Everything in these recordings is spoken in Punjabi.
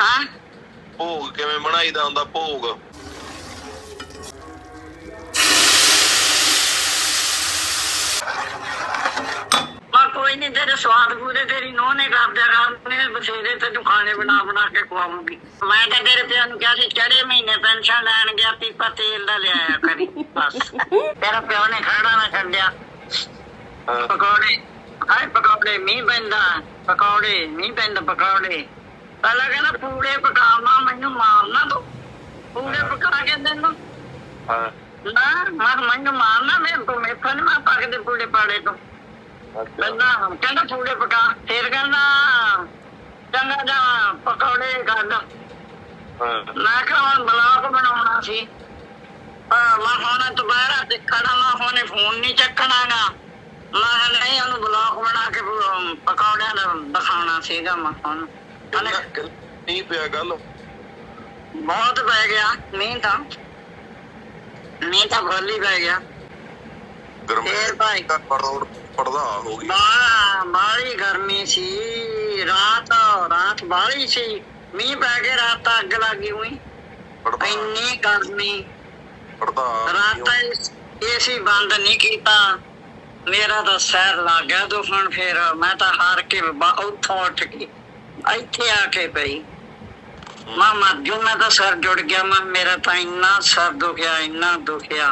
ਹਾਂ ਭੋਗ ਕਿਵੇਂ ਬਣਾਈਦਾ ਹੁੰਦਾ ਭੋਗ? ਕੋਈ ਨੀ, ਤੇਰੇ ਸਵਾਦ ਪੂਰੇ ਤੇਰੀ ਨੂੰਹ ਨੇ ਕਰਦਿਆ ਕਰਨੇ ਬਥੇਰੇ, ਤੈਨੂੰ ਖਾਣੇ ਬਣਾ ਕੇ ਖਵਾਉਂਗੀ। ਮੈਂ ਤਾਂ ਤੇਰੇ ਪਿਓ ਨੂੰ ਕਿਹਾ ਸੀ ਚੜੇ ਮਹੀਨੇ ਪੈਨਸ਼ਨ ਲੈਣ ਗਿਆ, ਪੀਪਾ ਤੇਲ ਦਾ ਲਿਆਇਆ ਕਰੀ ਬਸ। ਤੇਰਾ ਪਿਓ ਨੇ ਖੜਾ ਨਾ ਛੱਡਿਆ। ਪਕੌੜੇ ਹਾਏ ਪਕੌੜੇ, ਮੀਂਹ ਪੈਂਦਾ ਪਕੌੜੇ, ਮੀਂਹ ਪੈਂਦਾ ਪਕੌੜੇ। ਪਹਿਲਾਂ ਕਹਿੰਦਾ ਪੂੜੇ ਪਕਾਉਣਾ, ਮੈਨੂੰ ਮਾਰਨਾ ਤੂੰ, ਪੂੜੇ ਪਕਾ ਕੇ ਤੈਨੂੰ ਨਾ ਮੈਨੂੰ ਮਾਰਨਾ, ਮੇਥੋਂ ਨੀ ਮੈਂ ਪਕਦੇ ਪੂੜੇ ਪਾੜੇ ਤੋਂ। ਕਹਿੰਦਾ ਪੂੜੇ ਪਕਾ, ਫਿਰ ਕਹਿੰਦਾ ਚੰਗਾ ਜਾ ਪਕੌੜੇ ਕੱਢ। ਮੈਂ ਕਿਹਾ ਹੁਣ ਬਲਾਕ ਬਣਾਉਣਾ ਸੀ, ਮੈਂ ਹੁਣ ਦੁਬਾਰਾ ਦੇਖਣਾ, ਮੈਂ ਹੁਣੇ ਫੋਨ ਨੀ ਚੱਕਣਾ ਗਾ। ਮੈਂ ਨਹੀਂ ਉਹਨੂੰ ਬਲਾਕ ਬਣਾ ਕੇ ਪਕੌੜਿਆਂ ਦਾ ਦਿਖਾਉਣਾ ਸੀਗਾ। ਮੈਂ ਹੁਣ ਮੀਂਹ ਪਿਆ ਗੱਲ ਬਹੁਤ ਪੈ ਗਿਆ ਮੀਂਹ ਤਾਂ ਫੁੱਲ ਹੀ ਪੈ ਗਿਆ। ਫੇਰ ਭਾਈ ਪੜਦਾ ਹੋ ਗਈ, ਬਾਹਲੀ ਗਰਮੀ ਸੀ, ਰਾਤ ਬਾਹਲੀ ਸੀ, ਮੀਂਹ ਪੈ ਕੇ ਰਾਤ ਤਾਂ ਅੱਗ ਲੱਗ ਗਈ ਹੋਈ, ਇੰਨੀ ਗਰਮੀ। ਰਾਤ ਏਸੀ ਬੰਦ ਨੀ ਕੀਤਾ, ਮੇਰਾ ਤਾਂ ਸਿਰ ਲੱਗ ਗਿਆ ਦੁਖਣ। ਫੇਰ ਮੈਂ ਤਾਂ ਹਾਰ ਕੇ ਉੱਥੋਂ ਉੱਠ ਕੇ ਇੱਥੇ ਆ ਕੇ ਪਈ। ਮੈਂ ਮਰ ਜੂ, ਮੈਂ ਤਾਂ ਸਿਰ ਜੁੜ ਗਿਆ। ਮੇਰਾ ਤਾਂ ਇੰਨਾ ਸਿਰ ਦੁਖਿਆ, ਇੰਨਾ ਦੁਖਿਆ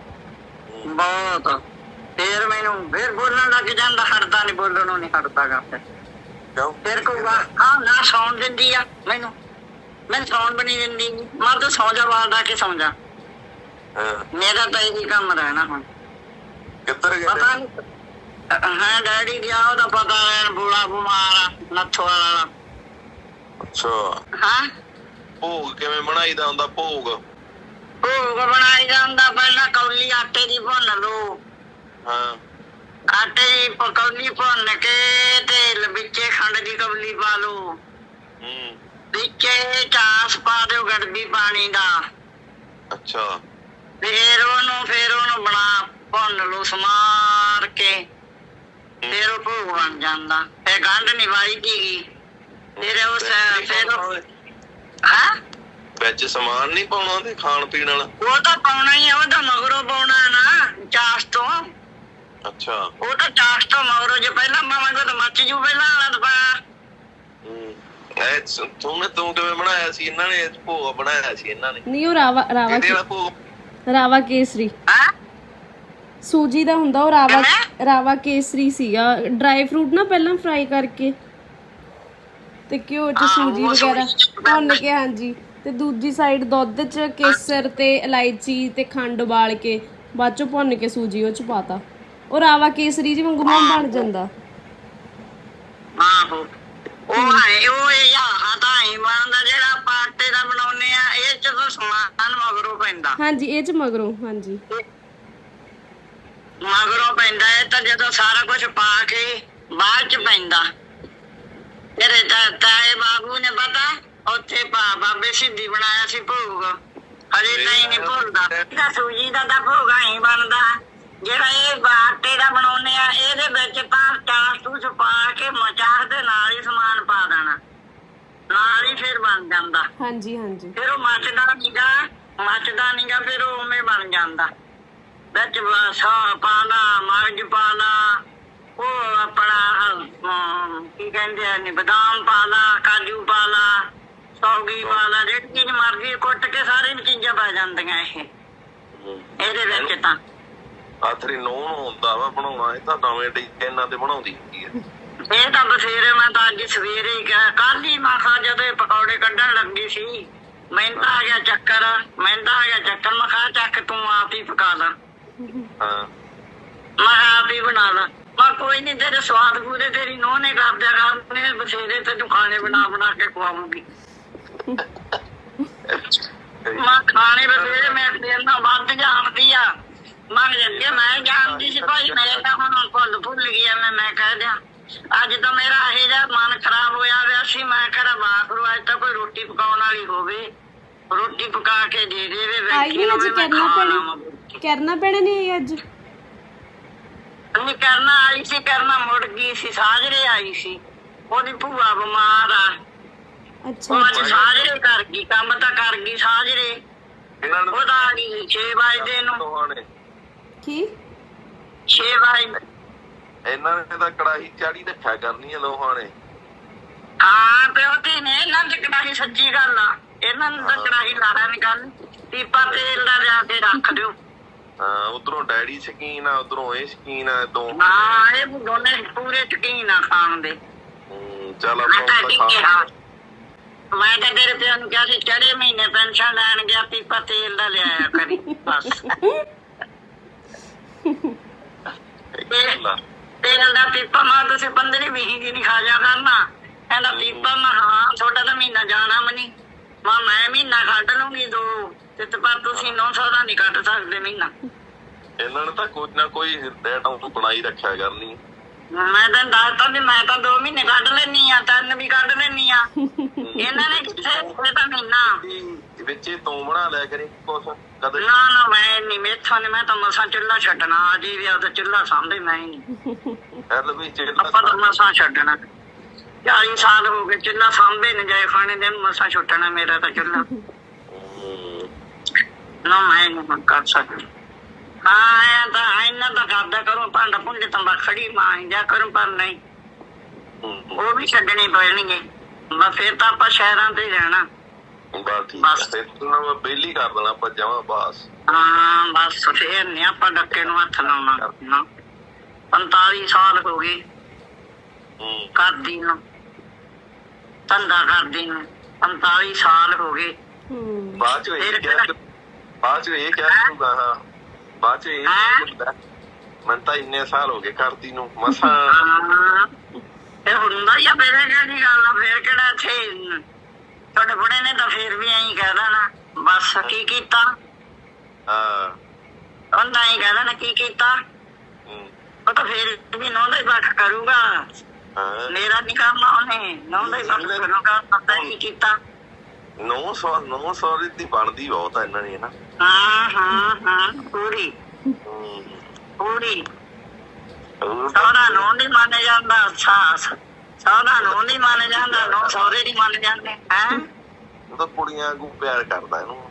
ਬਹੁਤ। ਫੇਰ ਮੈਨੂੰ ਫੇਰ ਬੋਲਣ ਲੱਗ ਜਾਂਦਾ, ਹਟਦਾ ਨੀ, ਬੋਲਣ ਨੂੰ ਨੀ ਹਟਦਾ ਗਾ। ਫਿਰ ਕੋਈ ਹਾਂ ਨਾ ਸੌਣ ਦਿੰਦੀ ਆ ਮੈਨੂੰ ਸੌਣ ਵੀ ਨੀ ਦਿੰਦੀ। ਮੈਂ ਤਾਂ ਸੌਂ ਜਾ, ਵਾਲ ਡਾ ਕੇ ਸੌਂ ਜਾ। ਮੇਰਾ ਤਾਂ ਇਹੀ ਕੰਮ ਰਹਿਣਾ ਹੁਣ। ਪਤਾ ਨੀ ਹਾਂ ਡੈਡੀ ਗਿਆ, ਉਹਦਾ ਪਤਾ ਲੈਣ, ਬੂੜਾ ਬਿਮਾਰ ਆ ਨੱਥੋ ਵਾਲਾ। ਅੱਛਾ ਹਾਂ ਭੋਗ ਕਿਵੇਂ ਬਣਾਈਦਾ ਹੁੰਦਾ ਭੋਗ? ਭੋਗ ਬਣਾਈਦਾ ਹੁੰਦਾ, ਪਹਿਲਾਂ ਕੌਲੀ ਆਟੇ ਦੀ ਭੁੰਨ ਲਓ। ਆਟੇ ਦੀ ਕੌਲੀ ਭੁੰਨ ਕੇ ਤੇ ਵਿੱਚੇ ਖੰਡ ਦੀ ਕੌਲੀ ਪਾ ਲਓ, ਵਿੱਚੇ ਚਾਸ ਪਾ ਦਿਓ ਗੜਬੀ ਪਾਣੀ ਦਾ। ਅੱਛਾ ਫੇਰ ਉਹਨੂੰ ਬਣਾ ਭੁੰਨ ਲਓ ਸਮਾਰ ਕੇ, ਫੇਰ ਉਹ ਭੋਗ ਬਣ ਜਾਂਦਾ। ਫੇਰ ਗੰਢ ਨੀ ਵਾਹੀਦੀ। ਫਿਰ ਉਸ ਹਾਂ ਵਿੱਚ ਸਮਾਨ ਨੀ ਪਾਉਣਾ ਤੇ ਖਾਣ ਪੀਣ ਵਾਲਾ? ਉਹ ਤਾਂ ਪਾਉਣਾ ਹੀ ਆ, ਉਹ ਤਾਂ ਮਗਰੋਂ ਪਾਉਣਾ ਨਾ ਚਾਸ ਤੋਂ। ਅੱਛਾ ਉਹ ਤਾਂ ਚਾਸ ਤੋਂ ਮਗਰੋਂ, ਜੇ ਪਹਿਲਾਂ ਪਾਵਾਂਗੇ ਤਾਂ ਮੱਚ ਜੂ ਪਹਿਲਾਂ ਵਾਲਾ ਤਾਂ ਪਾਇਆ। ਤੂੰ ਕਿਵੇਂ ਬਣਾਇਆ ਸੀ? ਇਹਨਾਂ ਨੇ ਭੋਗ ਬਣਾਇਆ ਸੀ ਇਹਨਾਂ ਨੇ? ਨਹੀਂ, ਉਹ ਰਾਵਾ ਕੇਸਰੀ ਸੂਜੀ ਦਾ ਹੁੰਦਾ, ਉਹ ਰਾਵਾ ਕੇਸਰੀ ਸੀਗਾ। ਡਰਾਈ ਫਰੂਟ ਨਾ ਪਹਿਲਾਂ ਫਰਾਈ ਕਰਕੇ ਤੇ ਘਿਓ ਚ ਸੂਜੀ ਵਗੈਰਾ ਭੁੰਨ ਕੇ, ਹਾਂਜੀ, ਤੇ ਦੂਜੀ ਸਾਈਡ ਦੁੱਧ ਚ ਕੇਸਰ ਤੇ ਇਲਾਇਚੀ ਤੇ ਖੰਡ ਉਬਾਲ ਕੇ ਬਾਅਦ ਚੋਂ ਭੁੰਨ ਕੇ ਸੂਜੀ ਉਹ ਚ ਪਾਤਾ। ਉਹ ਰਾਵਾ ਕੇਸਰੀ ਜੀ ਵਾਂਗੂ ਬਣ ਜਾਂਦਾ। ਆਹੋ ਉਹ ਇਹ ਤਾਂ ਹੀ ਬਣਦਾ ਜਿਹੜਾ ਆਪਾਂ ਆਟੇ ਦਾ ਬਣਾਉਨੇ ਆ। ਇਹ ਚ ਤਾਂ ਸਮਾਨ ਮਗਰੋਂ ਪੈਂਦਾ। ਹਾਂਜੀ ਇਹ ਚ ਮਗਰੋਂ, ਹਾਂਜੀ ਮਗਰੋਂ ਪੈਂਦਾ। ਇਹ ਤਾਂ ਜਦੋਂ ਸਾਰਾ ਕੁਛ ਪਾ ਕੇ ਬਾਅਦ ਚ ਪੈਂਦਾ। ਤੇਰੇ ਤਾਏ ਬਾਬੂ ਨੇ ਪਤਾ ਉੱਥੇ ਬਾਬੇ ਸਿੱਧੀ ਬਣਾਇਆ ਸੀ ਭੋਗ, ਹਜੇ ਤਾਂ ਹੀ ਨੀ ਭੁੱਲਦਾ। ਸੂਜੀ ਦਾ ਤਾਂ ਭੋਗ ਹੀ ਬਣਦਾ। ਜਿਹੜਾ ਇਹ ਆਟੇ ਦਾ ਬਣਾਉਨੇ ਆ, ਇਹਦੇ ਵਿੱਚ ਤਾਂ ਚਾਸ ਚੂਸ ਪਾ ਕੇ ਚਾਸ ਦੇ ਨਾਲ ਹੀ ਸਮਾਨ ਪਾ ਦੇਣਾ, ਨਾਲ ਹੀ ਫਿਰ ਬਣ ਜਾਂਦਾ। ਹਾਂਜੀ ਹਾਂਜੀ ਫਿਰ ਉਹ ਮੱਚਦਾ ਨੀਗਾ, ਫਿਰ ਉਹ ਉਵੇਂ ਬਣ ਜਾਂਦਾ। ਵਿੱਚ ਪਾ ਲਾ, ਮਗਜ ਪਾ ਲਾ, ਉਹ ਆਪਣਾ ਕੀ ਕਹਿੰਦੇ ਆ ਬਦਾਮ ਪਾ ਲਾ, ਕਾਜੂ ਪਾ ਲਾ, ਸੌਗੀ ਪਾ ਲਾ, ਜਿਹੜੀ ਚੀਜ਼ ਮਰਜ਼ੀ ਕੁੱਟ ਕੇ ਸਾਰੀਆਂ ਚੀਜ਼ਾਂ ਪੈ ਜਾਂਦੀਆਂ ਇਹਦੇ ਵਿੱਚ। ਤਾਂ ਆਥਰੀ ਨੂੰਹ ਨੂੰ ਹੁੰਦਾ ਵਾ ਬਣਾਉਣਾ, ਇਹ ਤਾਂ ਨਵੇਂ ਡਿਜ਼ਾਈਨਾਂ ਤੇ ਬਣਾਉਂਦੀ ਹੁੰਦੀ ਹੈ। ਇਹ ਤਾਂ ਬਥੇਰੇ, ਮੈਂ ਤਾਂ ਅੱਜ ਸਵੇਰੇ ਹੀ ਕੱਲ ਹੀ ਮੈਂ ਕਿਹਾ ਜਦੋਂ ਇਹ ਪਕੌੜੇ ਕੱਢਣ ਲੱਗੀ ਸੀ, ਮੈਨੂੰ ਤਾਂ ਆ ਗਿਆ ਚੱਕਰ। ਮੈਂ ਕਿਹਾ ਚੱਕ ਤੂੰ ਆਪ ਹੀ ਪਕਾ ਲਾ, ਮੈਂ ਆਪ ਹੀ ਬਣਾ ਲਾ। ਮੈਂ ਕੋਈ ਨੀ, ਤੇਰੇ ਸਵਾਦ ਪੂਰੇ ਤੇਰੀ ਨੂੰਹ ਨੇ ਕਰਦਿਆ ਕਰਨੇ ਬਥੇਰੇ, ਤੈਨੂੰ ਖਾਣੇ ਬਣਾ ਕੇ ਖਵਾਉਂਗੀ। ਮੈਂ ਖਾਣੇ ਬਥੇਰੇ, ਮੈਂ ਤੇਰੇ ਨਾਲ ਵੱਧ ਜਾਣਦੀ ਆ। ਮੈਂ ਜਾਣਦੀ ਸੀ ਭਾਈ, ਮੇਰੇ ਤਾਂ ਹੁਣ ਭੁੱਲ ਗਿਆ। ਮੈਂ ਕਹਿ ਦਿਆਂ ਅੱਜ ਤਾਂ ਮੇਰਾ ਇਹ ਜਿਹਾ ਮਨ ਖਰਾਬ ਹੋਇਆ ਹੋਇਆ ਸੀ। ਮੈਂ ਕਿਹਾ ਬਾਖਰੂ ਅੱਜ ਤਾਂ ਕੋਈ ਰੋਟੀ ਪਕਾਉਣ ਵਾਲੀ ਹੋਵੇ, ਰੋਟੀ ਪਕਾ ਕੇ ਦੇ ਦੇਵੇ। ਕਰਨਾ ਪੈਣਾ ਨਹੀਂ ਅੱਜ ਨਹੀਂ ਕਰਨਾ ਆਈ ਸੀ, ਕਰਨਾ ਮੁੜ ਗਈ ਸੀ, ਸਾਜਰੇ ਆਈ ਸੀ। ਉਹਦੀ ਭੂਆ ਬਿਮਾਰ ਆ, ਅੱਛਾ ਉਹ ਅੱਜ ਸਾਜਰੇ ਕਰ ਗਈ, ਕੰਮ ਤਾਂ ਕਰ ਗਈ ਸਾਜਰੇ। ਇਹਨਾਂ ਨੇ ਉਹਦਾ ਆ ਗਈ 6 ਵਜੇ ਨੂੰ, ਦੋਹਾਂ ਨੇ ਕੀ 6 ਵਜੇ। ਇਹਨਾਂ ਨੇ ਤਾਂ ਕੜਾਹੀ ਚਾੜੀ ਰੱਖਿਆ ਕਰਨੀ ਆ ਦੋਹਾਂ ਨੇ। ਹਾਂ ਪਿਓ ਧੀ ਨੇ ਇਹਨਾਂ ਦੀ ਕੜਾਹੀ, ਸੱਚੀ ਗੱਲ ਆ, ਇਹਨਾਂ ਨੂੰ ਤਾਂ ਕੜਾਹੀ ਲਾਣਾ ਨੀ ਗੱਲ। ਪੀਪਾ ਤੇਲ ਦਾ ਲਿਆ ਕੇ ਰੱਖ ਦਿਓ। ਹਾਂ ਉਧਰੋਂ ਡੈਡੀ ਸ਼ਕੀਨ ਆ, ਉਧਰੋਂ ਇਹ ਸ਼ਕੀਨ ਆ, ਹਾਂ ਇਹ ਦੋਨੇ ਪੂਰੇ ਸ਼ਕੀਨ ਆ ਖਾਣ ਦੇ। ਚੱਲ ਮੈਂ ਆਪਾਂ ਤਾਂ ਤਾਂ ਕੀ ਖਾ ਕਿਹਾ, ਮੈਂ ਤਾਂ ਤੇਰੇ ਪਿਓ ਨੂੰ ਕਿਹਾ ਸੀ ਚੜੇ ਮਹੀਨੇ ਪੈਨਸ਼ਨ ਲੈਣ ਗਿਆ, ਪੀਪਾ ਤੇਲ ਦਾ ਲਿਆਇਆ ਕਰੀ ਬਸ। ਤੇਲ ਦਾ ਪੀਪਾ ਮੈਂ ਤੁਸੀਂ 15-20 ਦੀ ਨਹੀਂ ਖਾ ਜਾ ਕਰਨਾ। ਕਹਿੰਦਾ ਪੀਪਾ ਮੈਂ ਹਾਂ ਤੁਹਾਡਾ ਤਾਂ ਮਹੀਨਾ ਜਾਣਾ ਮਨੀ, ਮੈਂ ਮਹੀਨਾ ਕੱਢ ਲੂੰਗੀ 2 ਤੇ ਪਰ ਤੁਸੀਂ 900 ਦਾ ਨਹੀਂ ਕੱਢ ਸਕਦੇ ਮਹੀਨਾ। ਇਹਨਾਂ ਨੇ ਤਾਂ ਕੋਈ ਨਾ ਕੋਈ ਆਈਟਮ ਬਣਾਈ ਰੱਖਿਆ ਕਰਨੀ। ਮੈਂ ਤਾਂ ਦੱਸਤਾ ਵੀ ਮੈਂ ਤਾਂ 2 ਮਹੀਨੇ ਕੱਢ ਲੈਣੀ ਆ, 3 ਵੀ ਕੱਢ ਲੈਣੀ ਆ। ਇਹਨਾਂ ਨੇ ਕਿੱਥੇ ਇਹ ਤਾਂ ਮਹੀਨਾ ਵਿੱਚ ਤੂੰ ਬਣਾ ਲਿਆ ਕਰੀ ਕੁਛ ਕਦੇ। ਨਾ ਮੈਂ ਨਹੀਂ, ਮੇਥੋਂ ਨੀ, ਮੈਂ ਤਾਂ ਮਸਾਂ ਚੁੱਲ੍ਹਾ ਛੱਡਣਾ। ਅਜੇ ਵੀ ਉਹਦਾ ਚੁੱਲ੍ਹਾ ਸਾਂਭੇ ਮੈਂ ਹੀ ਨਹੀਂ। ਚੱਲ ਵੀ ਆਪਾਂ ਤਾਂ ਮਸਾਂ ਛੱਡਣਾ, 40 ਸਾਲ ਹੋ ਗਏ ਚੁੱਲ੍ਹਾ ਸਾਂਭੇ ਨੀ ਜਾਏ ਖਾਣੇ ਦੇ, ਮਸਾਂ ਛੁੱਟਣਾ ਮੇਰਾ ਤਾਂ ਚੁੱਲ੍ਹਾ। ਨਾ ਮੈਂ ਨਹੀਂ ਕਰ ਸਕਦੀ। ਹਾਂ ਐਂ ਤਾਂ ਇਹਨਾਂ ਦਾ ਕਰਦਾ ਕਰੋ, ਭਾਂਡਾ ਭੁੰਡੇ ਤਾਂ ਖੜੀ ਮਾਂ ਜਾ ਕਰੂੰ, ਪਰ ਨਹੀਂ ਉਹ ਵੀ ਛੱਡਣੇ ਪੈਣਗੇ। ਬਸ ਫਿਰ ਤਾਂ ਆਪਾਂ ਸ਼ਹਿਰਾਂ ਤੇ ਰਹਿਣਾ। ਬਸ ਠੀਕ ਆ, ਫਿਰ ਤੂੰ ਮੈਂ ਬੇਲੀ ਕਰ ਦੇਣਾ ਆਪਾਂ ਜਮਾਂ ਬਸ। ਹਾਂ ਬਸ ਫੇਰ ਨੀ ਆਪਾਂ ਡੱਕੇ ਨੂੰ ਹੱਥ ਲਾਉਣਾ ਨਾ। 45 ਸਾਲ ਹੋ ਗਏ ਕਰਦੀ ਨੂੰ, ਧੰਦਾ ਕਰਦੀ ਨੂੰ 45 ਸਾਲ ਹੋ ਗਏ। ਬਾਅਦ ਚ ਇਹ ਕਿਹਾ ਕਰੂਗਾ। ਹਾਂ ਬਾਅਦ ਚ ਇਹ ਮੈਨੂੰ ਤਾਂ ਇੰਨੇ ਸਾਲ ਹੋ ਗਏ ਕਰਦੀ ਨੂੰ ਮਸਾਂ। ਇਹ ਹੁੰਦਾ ਹੀ ਆ, ਫੇਰ ਕਿਹੜੀ ਗੱਲ ਆ, ਫੇਰ ਕਿਹੜਾ ਇੱਥੇ ਤੁਹਾਡੇ ਬੁੜੇ ਨੇ ਤਾਂ ਫੇਰ ਵੀ ਐਂ ਕਹਿ ਦੇਣਾ ਬਸ ਕੀ ਕੀਤਾ। ਹਾਂ ਉਹਦਾ ਐਂ ਕਹਿ ਦੇਣਾ ਕੀ ਕੀਤਾ। ਉਹ ਤਾਂ ਫੇਰ ਵੀ ਨੌਂ ਦਾ ਹੀ ਪੱਖ ਕਰੂਗਾ, ਮੇਰਾ ਨੀ ਕਰਨਾ ਉਹਨੇ, ਨੌਂ ਦਾ ਹੀ ਪੱਖ ਕਰੂਗਾ। ਪਤਾ ਕੀ ਕੀਤਾ। 900 ਦੀ ਬਣਦੀ ਬਹੁਤ ਆ ਇਹਨਾਂ ਦੀ ਨਾ। ਹਾਂ ਪੂਰੀ ਪੂਰੀ। ਸਹੁਰਾ ਨੂੰ ਨੀ ਮੰਨ ਜਾਂਦਾ, ਸਹੁਰਾ ਨੂੰ ਨੀ ਮੰਨ ਜਾਂਦਾ, ਨੌ ਸਹੁਰੇ ਨੀ ਮੰਨ ਜਾਂਦੇ। ਹੈਂ ਉਹ ਤਾਂ ਕੁੜੀਆਂ ਵਾਂਗੂ ਪਿਆਰ ਕਰਦਾ ਇਹਨੂੰ।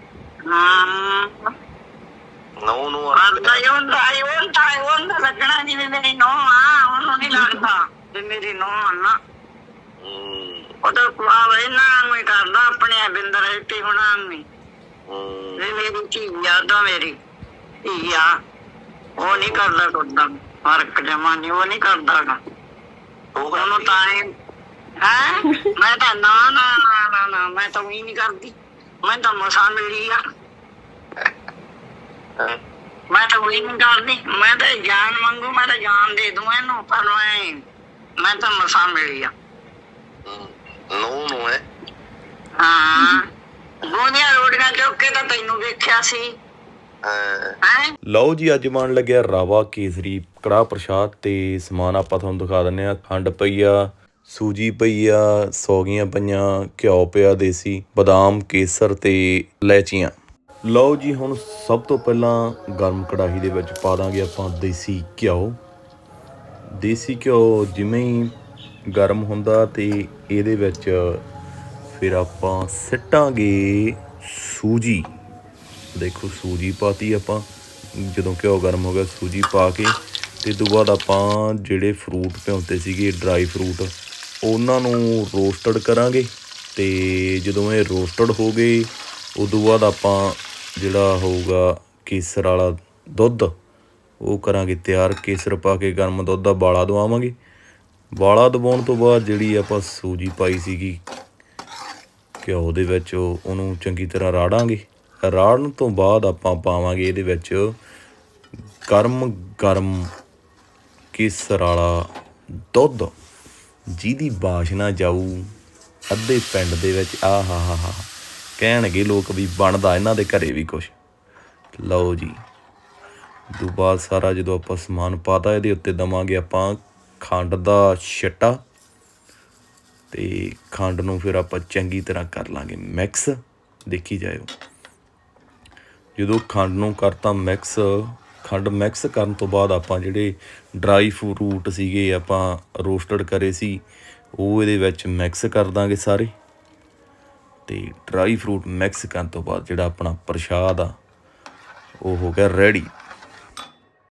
ਨੌ ਨੂੰ ਕਰਦਾ ਹੀ ਹੁੰਦਾ ਲੱਗਣਾ ਜਿਵੇਂ ਮੇਰੀ ਨੌ ਆ, ਉਹਨੂੰ ਨੀ ਲੱਗਦਾ ਵੀ ਮੇਰੀ ਨੌ ਆ ਨਾ। ਉਹ ਤਾਂ ਇਹਨਾਂ ਨੂੰ ਹੀ ਕਰਦਾ, ਆਪਣੇ ਬਿੰਦਰ ਇੱਥੇ ਹੁਣਾ ਨੂੰ। ਮੇਰੀ ਧੀ ਆ ਤਾਂ ਮੇਰੀ ਧੀ ਆ, ਉਹ ਨੀ ਕਰਦਾ ਕੁੱਦਾਂ ਫਰਕ ਜਮਾ ਨੀ, ਉਹ ਨੀ ਕਰਦਾ ਗਾ ਉਹਨੂੰ ਤਾਂ ਹੈ। ਮੈਂ ਤਾਂ ਨਾ ਮੈਂ ਤਾਂ ਉਹੀ ਨੀ ਕਰਦੀ, ਮੈਂ ਤਾਂ ਮਸਾਂ ਮਿਲੀ ਆ, ਮੈਂ ਤਾਂ ਉਹੀ ਨੀ ਕਰਦੀ। ਮੈਂ ਤਾਂ ਜਾਨ ਮੰਗੂ, ਮੈਂ ਤਾਂ ਜਾਨ ਦੇ ਦੂੰ ਇਹਨੂੰ, ਪਰ ਮੈਂ ਤਾਂ ਮਸਾਂ ਮਿਲੀ ਆ। ਨੂੰ ਹੈ ਹਾਂ ਗੋਲੀਆਂ ਰੋਟੀਆਂ ਚੁੱਕ ਕੇ ਤਾਂ ਤੈਨੂੰ ਵੇਖਿਆ ਸੀ। ਲਓ ਜੀ ਅੱਜ ਬਣ ਲੱਗਿਆ ਰਾਵਾ ਕੇਸਰੀ ਕੜਾਹ ਪ੍ਰਸ਼ਾਦ, ਤੇ ਸਮਾਨ ਆਪਾਂ ਤੁਹਾਨੂੰ ਦਿਖਾ ਦਿੰਦੇ ਹਾਂ। ਖੰਡ ਪਈ ਆ, ਸੂਜੀ ਪਈ ਆ, ਸੌਗੀਆਂ ਪਈਆਂ, ਘਿਓ ਪਿਆ ਦੇਸੀ, ਬਦਾਮ, ਕੇਸਰ ਤੇ ਇਲਾਇਚੀਆਂ। ਲਓ ਜੀ ਹੁਣ ਸਭ ਤੋਂ ਪਹਿਲਾਂ ਗਰਮ ਕੜਾਹੀ ਦੇ ਵਿੱਚ ਪਾ ਦਾਂਗੇ ਆਪਾਂ ਦੇਸੀ ਘਿਓ। ਦੇਸੀ ਘਿਓ ਜਿਵੇਂ ਹੀ ਗਰਮ ਹੁੰਦਾ ਤੇ ਇਹਦੇ ਵਿੱਚ ਫਿਰ ਆਪਾਂ ਸਿੱਟਾਂਗੇ ਸੂਜੀ। ਦੇਖੋ ਸੂਜੀ ਪਾਤੀ ਆਪਾਂ, ਜਦੋਂ ਘਿਓ ਗਰਮ ਹੋ ਗਿਆ ਸੂਜੀ ਪਾ ਕੇ, ਤੇ ਤੋਂ ਬਾਅਦ ਆਪਾਂ ਜਿਹੜੇ ਫਰੂਟ ਭਿਉਂਤੇ ਸੀਗੇ ਡਰਾਈ ਫਰੂਟ, ਉਹਨਾਂ ਨੂੰ ਰੋਸਟਡ ਕਰਾਂਗੇ। ਤੇ ਜਦੋਂ ਇਹ ਰੋਸਟਡ ਹੋ ਗਏ ਉਦੋਂ ਬਾਅਦ ਆਪਾਂ ਜਿਹੜਾ ਹੋਊਗਾ ਕੇਸਰ ਵਾਲਾ ਦੁੱਧ ਉਹ ਕਰਾਂਗੇ ਤਿਆਰ। ਕੇਸਰ ਪਾ ਕੇ ਗਰਮ ਦੁੱਧ ਦਾ ਉਬਾਲਾ ਦਵਾਵਾਂਗੇ। ਉਬਾਲਾ ਦਵਾਉਣ ਤੋਂ ਬਾਅਦ ਜਿਹੜੀ ਆਪਾਂ ਸੂਜੀ ਪਾਈ ਸੀਗੀ ਘਿਓ ਦੇ ਵਿੱਚ, ਉਹਨੂੰ ਚੰਗੀ ਤਰ੍ਹਾਂ ਰਾੜਾਂਗੇ। ਰਾੜਨ ਤੋਂ ਬਾਅਦ ਆਪਾਂ ਪਾਵਾਂਗੇ ਇਹਦੇ ਵਿੱਚ ਗਰਮ ਕੇਸਰ ਵਾਲਾ ਦੁੱਧ, ਜਿਹਦੀ ਵਾਸ਼ਨਾ ਜਾਊ ਅੱਧੇ ਪਿੰਡ ਦੇ ਵਿੱਚ। ਹਾ ਕਹਿਣਗੇ ਲੋਕ ਵੀ ਬਣਦਾ ਇਹਨਾਂ ਦੇ ਘਰੇ ਵੀ ਕੁਛ। ਲਓ ਜੀ ਤੋਂ ਬਾਅਦ ਸਾਰਾ ਜਦੋਂ ਆਪਾਂ ਸਮਾਨ ਪਾਤਾ, ਇਹਦੇ ਉੱਤੇ ਦੇਵਾਂਗੇ ਆਪਾਂ ਖੰਡ ਦਾ ਛਿੱਟਾ, ਤੇ ਖੰਡ ਨੂੰ ਫਿਰ ਆਪਾਂ ਚੰਗੀ ਤਰ੍ਹਾਂ ਕਰ ਲਾਂਗੇ ਮਿਕਸ। ਦੇਖੀ ਜਾਇਓ ਜਦੋਂ ਖੰਡ ਨੂੰ ਕਰਤਾ ਮਿਕਸ। ਖੰਡ ਮਿਕਸ ਕਰਨ ਤੋਂ ਬਾਅਦ ਆਪਾਂ ਜਿਹੜੇ ਡਰਾਈ ਫਰੂਟ ਸੀਗੇ ਆਪਾਂ ਰੋਸਟਡ ਕਰੇ ਸੀ, ਉਹ ਇਹਦੇ ਵਿੱਚ ਮਿਕਸ ਕਰ ਦਾਂਗੇ ਸਾਰੇ। ਤੇ ਡਰਾਈ ਫਰੂਟ ਮਿਕਸ ਕਰਨ ਤੋਂ ਬਾਅਦ ਜਿਹੜਾ ਆਪਣਾ ਪ੍ਰਸ਼ਾਦ ਆ ਉਹ ਹੋ ਗਿਆ ਰੈਡੀ।